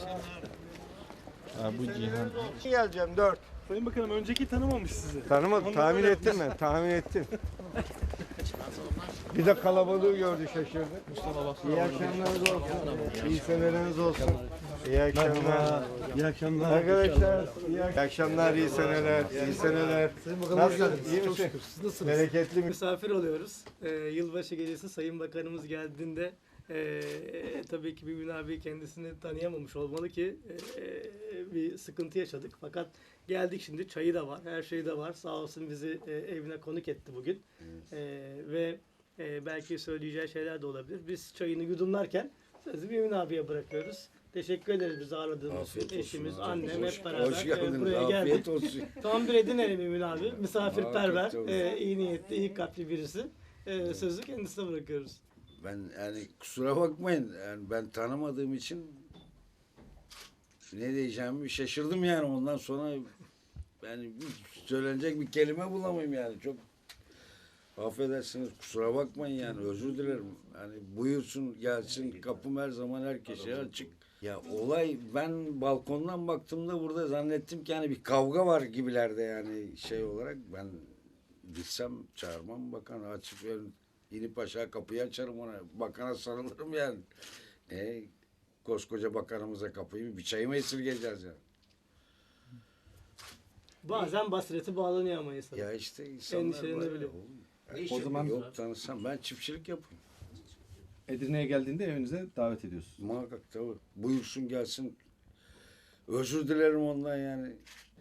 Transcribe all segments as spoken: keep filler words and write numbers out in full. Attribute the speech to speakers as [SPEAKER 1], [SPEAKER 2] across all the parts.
[SPEAKER 1] Ha, bu Cihan.
[SPEAKER 2] Geleceğim dört.
[SPEAKER 3] Sayın Bakanım önceki tanımamış sizi.
[SPEAKER 2] Tanımadım,
[SPEAKER 3] Ondan
[SPEAKER 2] tahmin
[SPEAKER 3] öyle
[SPEAKER 2] ettim ben, tahmin ettim. Bir de kalabalığı gördü, şaşırdı. İyi akşamlarınız olsun. İyi seneleriniz olsun. İyi akşamlar.
[SPEAKER 3] İyi akşamlar.
[SPEAKER 2] Arkadaşlar, iyi akşamlar, iyi seneler, iyi seneler. Nasılsın, iyi misin?
[SPEAKER 4] Nasılsınız?
[SPEAKER 2] Bereketli mi?
[SPEAKER 4] Misafir oluyoruz. Ee, yılbaşı gecesi Sayın Bakanımız geldiğinde e, tabii ki Mümin abi kendisini tanıyamamış olmalı ki e, bir sıkıntı yaşadık. Fakat geldik şimdi, çayı da var, her şey de var. Sağ olsun bizi e, evine konuk etti bugün. E, ve e, belki söyleyeceği şeyler de olabilir. Biz çayını yudumlarken sözü Mümin abiye bırakıyoruz. Teşekkür ederiz bizi ağırladığınız için. Eşimiz, annem hep beraber
[SPEAKER 5] Hoş geldiniz.
[SPEAKER 4] e, buraya
[SPEAKER 5] Afiyet
[SPEAKER 4] geldik.
[SPEAKER 5] olsun.
[SPEAKER 4] Tam bir Edinelim Mümin abi. Misafirperver,
[SPEAKER 5] Afiyet olsun.
[SPEAKER 4] e, iyi niyetli, iyi kalpli birisi. E, sözü kendisine bırakıyoruz.
[SPEAKER 5] Ben yani kusura bakmayın. Yani ben tanımadığım için ne diyeceğimi şaşırdım yani. Ondan sonra yani bir söylenecek bir kelime bulamayayım yani. Çok affedersiniz, kusura bakmayın yani, özür dilerim. Yani buyursun gelsin, kapım her zaman herkese açık. Ya olay, ben balkondan baktığımda burada zannettim ki hani bir kavga var gibilerde yani şey olarak. Ben gitsem çağırmam bakan, açıp ön, inip aşağı kapıyı açarım ona. Bakana sarılırım yani. E, koskoca bakanımıza kapıyı bir çayı mı esirgeyeceğiz yani?
[SPEAKER 4] Bazen basireti bağlanıyor ama insan.
[SPEAKER 5] Ya işte insanlar
[SPEAKER 4] Endişelenebiliyor.
[SPEAKER 5] var ya oğlum.
[SPEAKER 1] O zaman
[SPEAKER 5] Yok tanısam ben çiftçilik yapayım.
[SPEAKER 1] Edirne'ye geldiğinde evinize davet ediyorsunuz.
[SPEAKER 5] Muhakkak tabii. Buyursun gelsin. Özür dilerim ondan yani.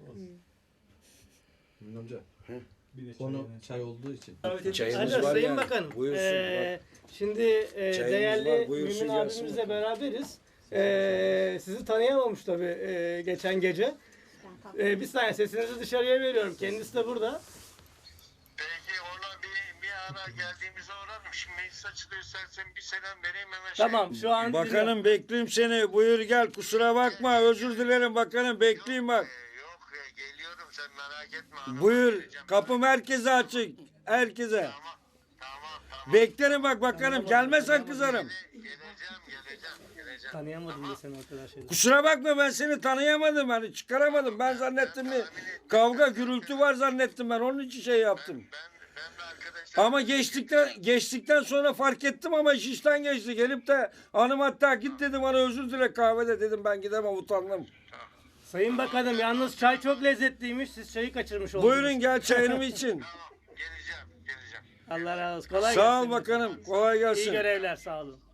[SPEAKER 6] Mümin amca.
[SPEAKER 5] Hı?
[SPEAKER 6] Konu çay olduğu için.
[SPEAKER 5] Çayımız
[SPEAKER 4] Alo
[SPEAKER 5] var
[SPEAKER 4] Sayın
[SPEAKER 5] yani.
[SPEAKER 4] Bakanım.
[SPEAKER 5] Buyursun,
[SPEAKER 4] e, şimdi e,
[SPEAKER 5] Çayımız
[SPEAKER 4] değerli
[SPEAKER 5] var, buyursun
[SPEAKER 4] Mümin
[SPEAKER 5] gelsin
[SPEAKER 4] abimizle
[SPEAKER 5] bakalım.
[SPEAKER 4] beraberiz. E, sizi tanıyamamış tabii e, geçen gece. E, bir saniye sesinizi dışarıya veriyorum. Kendisi de burada.
[SPEAKER 7] Peki ona bir, bir ara geldiğimizde uğrarım. Şimdi meclis açılıyor, istersen bir selam vereyim hemen.
[SPEAKER 4] Tamam şu an
[SPEAKER 5] Bakanım bekleyeyim seni. Buyur gel, kusura bakma. Özür dilerim bakanım, bekleyeyim bak.
[SPEAKER 7] Ee, yok e, geliyorum, sen merak etme. Hanım.
[SPEAKER 5] Buyur.
[SPEAKER 7] Geleceğim.
[SPEAKER 5] Kapım herkese açık. Herkese.
[SPEAKER 7] Tamam, tamam, tamam.
[SPEAKER 5] Beklerim bak bakanım. Gelmezsen kızarım.
[SPEAKER 7] Geleceğim, geleceğim, geleceğim.
[SPEAKER 4] tanıyamadım da seni o kadar şeyden.
[SPEAKER 5] Kusura bakma, ben seni tanıyamadım. Hani çıkaramadım. Ben zannettim bir kavga gürültü var zannettim ben. Onun için şey yaptım.
[SPEAKER 7] Ben, ben de arkadaşlar...
[SPEAKER 5] Ama geçtikten geçtikten sonra fark ettim ama iş işten geçti. Gelip de hanım hatta git dedim, bana özür dile kahvede dedim, ben gidemem, utandım.
[SPEAKER 4] Sayın Bakanım yalnız çay çok lezzetliymiş. Siz çayı kaçırmış oldunuz.
[SPEAKER 5] Buyurun gel çayınımı için.
[SPEAKER 7] Tamam, geleceğim, geleceğim.
[SPEAKER 4] Allah razı olsun. Kolay
[SPEAKER 5] Sağ
[SPEAKER 4] gelsin.
[SPEAKER 5] ol bakanım. Kolay
[SPEAKER 4] İyi
[SPEAKER 5] gelsin.
[SPEAKER 4] görevler sağ olun.